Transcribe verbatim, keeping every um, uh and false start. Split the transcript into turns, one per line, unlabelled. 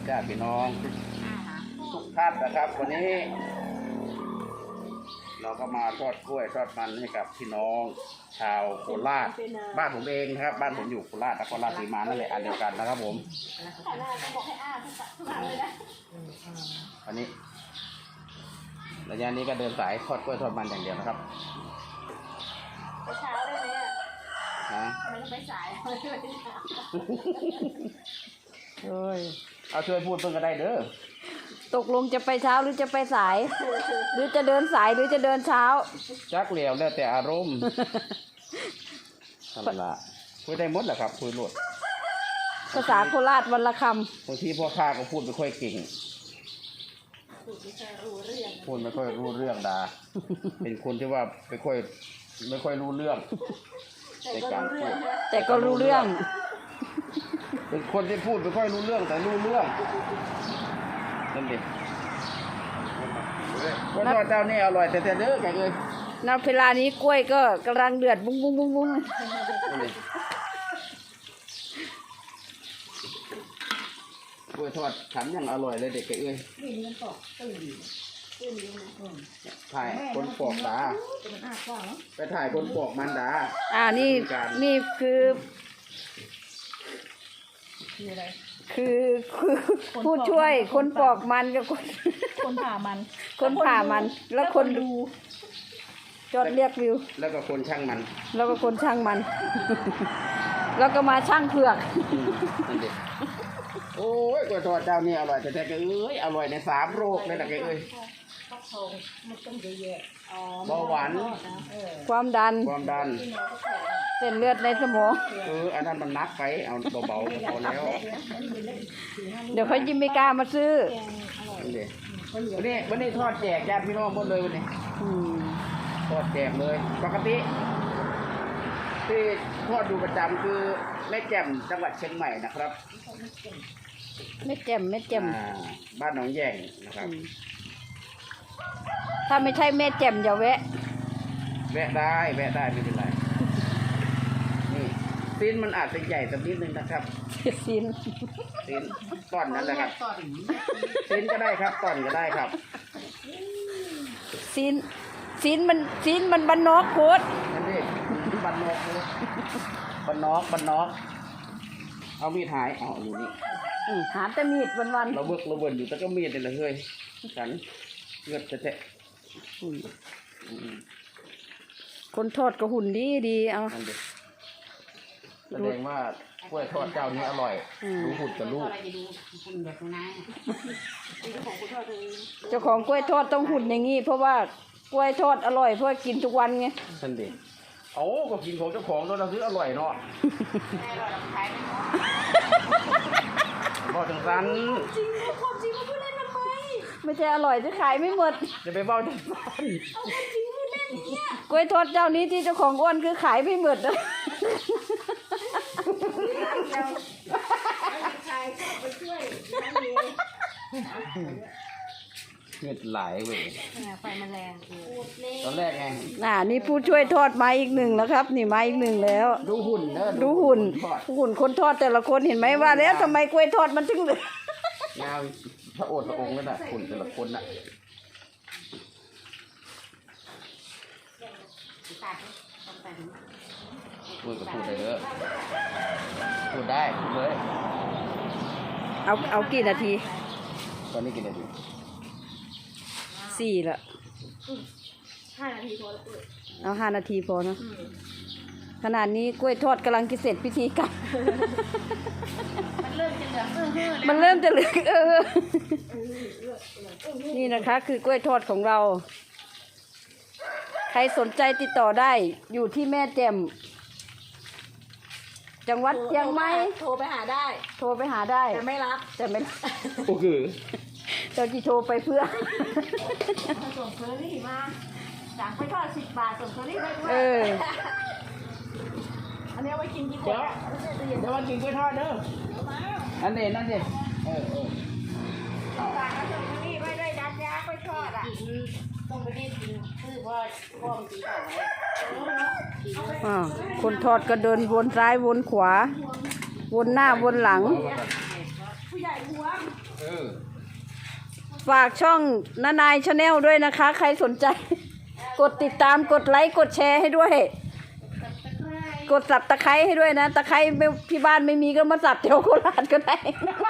ญาติพี่น้องทุกท่านนะครับวันนี้เราก็มาทอดกล้วยทอดมันให้กับพี่น้องชาวโคราชบ้านผมเองนะครับบ้านผมอยู่โคราชนครราชสีมานั่นแหละอันเดียวกันนะครับผมวันนี้ระยะนี้ก็เดินสายทอดกล้วยทอดมันอย่างเดียวนะครับ
ไปเช้าได้ไหมอ่ะมันไปสายไม่ไปเช้า
เฮ้ยเอาช่วยพูดเพิ่งก็ได้เด้อ
ตกลงจะไปเช้าหรือจะไปสาย หรือจะเดินสายหรือจะเดินเช้า
จักเหลียวแล้วแต่อารมณ์ทำละคุยได้หมดแหละครับคุยหมด
ภาษาโคราชวันละค
ำบางทีพ่อข้าก็พูดไม่ค่อยเก่งพูดไม่ค่อยรู้เรื่องดาเป็นคนที่ว่าไม่ค่อยไม่ค่อยรู้เรื่องในการพูด
แต่ก็รู้เรื่อง
เป็นคนที่พูดไม่ค่อยรู้เรื่องแต่รู้เรื่องนั่นดิกล้วยทอดเจ้านี่อร่อยแต่แต่เด้อแกเลย
ณเวลานี้กล้วยก็กำลังเดือดบุ้งบุ้งบุ้งบุ้ง
กล้วยทอดฉันยังอร่อยเลยเด็กแกเอ้ยถ่ายคนปอกดาไปถ่ายคนปอกมันดา
อ่านี่นี่คือคือคือผู้ช่วยคนปอกมันกับคน
คนผ่ามัน
คนผ่ามันแล้วคนดูจดเรียกวิว
แล้วก็คนช่างมัน
แล้วก็คนช่างมันแล้วก็มาช่างเผือก
โอ้ยกล้วยทอดเจ้านี่อร่อยแต่แต่แกเอ้ยอร่อยในสามโรคเลยนะแกเอ้ยเบาหวาน
ความดัน
ความดัน
เส้นเลือดในสมอง
เอออันนั้นมันนักไปเอาเบาๆพอแล้ว
เดี๋ยวเขายิ้มไม่กล้ามาซื้อ
วันนี้วันนี้ทอดแจกญาติพี่น้องหมดเลยวันนี้ทอดแจกเลยปกติที่ทอดดูประจำคือแม่แจ่มจังหวัดเชียงใหม่นะครับ
แม่แจ่มแม่แจ่ม
บ้านหนองแยงนะครับ
ถ้าไม่ใช่แม่แจ่มอย่าแวะ
แวะได้แวะได้ไม่เป็นไรนี่ซีนมันอาจจะใหญ่สักนิดนึงนะครับ
ซีน
ซีนตอนนั้นแหละครับซีนก็ได้ครับตอนก็ได้ครับ
ซีนซีนมันซีนมันบันนอกโคตร
นั่นดิบันนอกบันนอกบันนอกเอามีดหายเอาอยู่นี่
หาแต่มีดวันวัน
เราเบิกเราเบิกอยู่แต่ก็มีดเลยเฮ้ยฉันเงือดจะแทะ
คนทอดก็หุ่นดีดีเอา
แสดงว่ากล้วยทอดเจ้านี้อร่อยรู้หุ่นกับลูก
เจ้าของกล้วยทอดต้องหุ่นอย่างงี้เพราะว่ากล้วยทอดอร่อยเพราะกินทุกวันไง
ฉันดิเอาก็กินของเจ้าของเราซื้ออร่อยเนาะบอกจังสัน
จริงความจริงเขาพูดเล่นทำไม
ไม่ใช่อร่อยจะขายไม่หมด
จะไปบอกจังสัน
เอาจริงพูดเล่นเนี่ย
กล้วยทอดเจ้านี้ที่เจ้าของอ้วนคือขายไม่หมดนะ
เงือดไหลเว้ย
ไฟมันแรง
ตอนแรกไง
น่ะนี่ผู้ช่วยทอดมาอีกหนึ่งแล้วครับนี่มาอีกหนึ่งแล้ว
ดูหุ่นเนอะ
ดูหุ่นหุ่นคนทอดแต่ละคนเห็นไหมว่าแล้วทำไมกล้วยทอดมันถึงเหลื
อยาวพระโอษฐ์พระองค์นั่นน่ะหุ่นแต่ละคนน่ะพูดก็พูดได้เยอะพูดได้พูดเลย
เอาเอากี่นาที
ตอนนี้กี่นาที
สี่ละ
ห้านาทีพอแล้ว
เอาห้านาทีพอเนาะขนาดนี้กล้วยทอดกำลังจะเสร็จพิธีกรรม
มันเริ่มจะเหลืองเออเฮ้อ
มันเริ่มจะเหลืองเออนี่นะคะคือกล้วยทอดของเราใครสนใจติดต่อได้อยู่ที่แม่แจ่มจังหวัดเชียงใหม่
โทรไปหาได้
โทรไปหาได้
แต่ไม่รับ
แต่ไม่
โอเค
เจ้าจีโทรไปเพื่อ
ส่งเคอรี่มาสั่งไปทอดสิบบาทส่งเคอรี่ไปด้วย
เออ
อันนี้ไว้กินกี่คน
เดี๋ยววันกินกล้วยทอดเด้ออันนี้นั่นดิเออเออ
สั่งส่งเคอรี่ไว้ด้วยดัดยากล้วยทอดอ่ะต้องไปได้กินคือว่าพ่อมันกินต่อไว้
อ่าคนทอดก็เดินวนซ้ายวนขวาวนหน้าวนหลัง
ผู้ใหญ่หัว
เออ
ฝากช่องนานายชาแนลด้วยนะคะ ใครสนใจ กดติดตามกดไลค์กดแชร์ให้ด้วย กดสับตะไคร้ให้ด้วยนะ ตะไคร้ไม่ที่บ้านไม่มีก็มาสับแถวโคราชก็ได้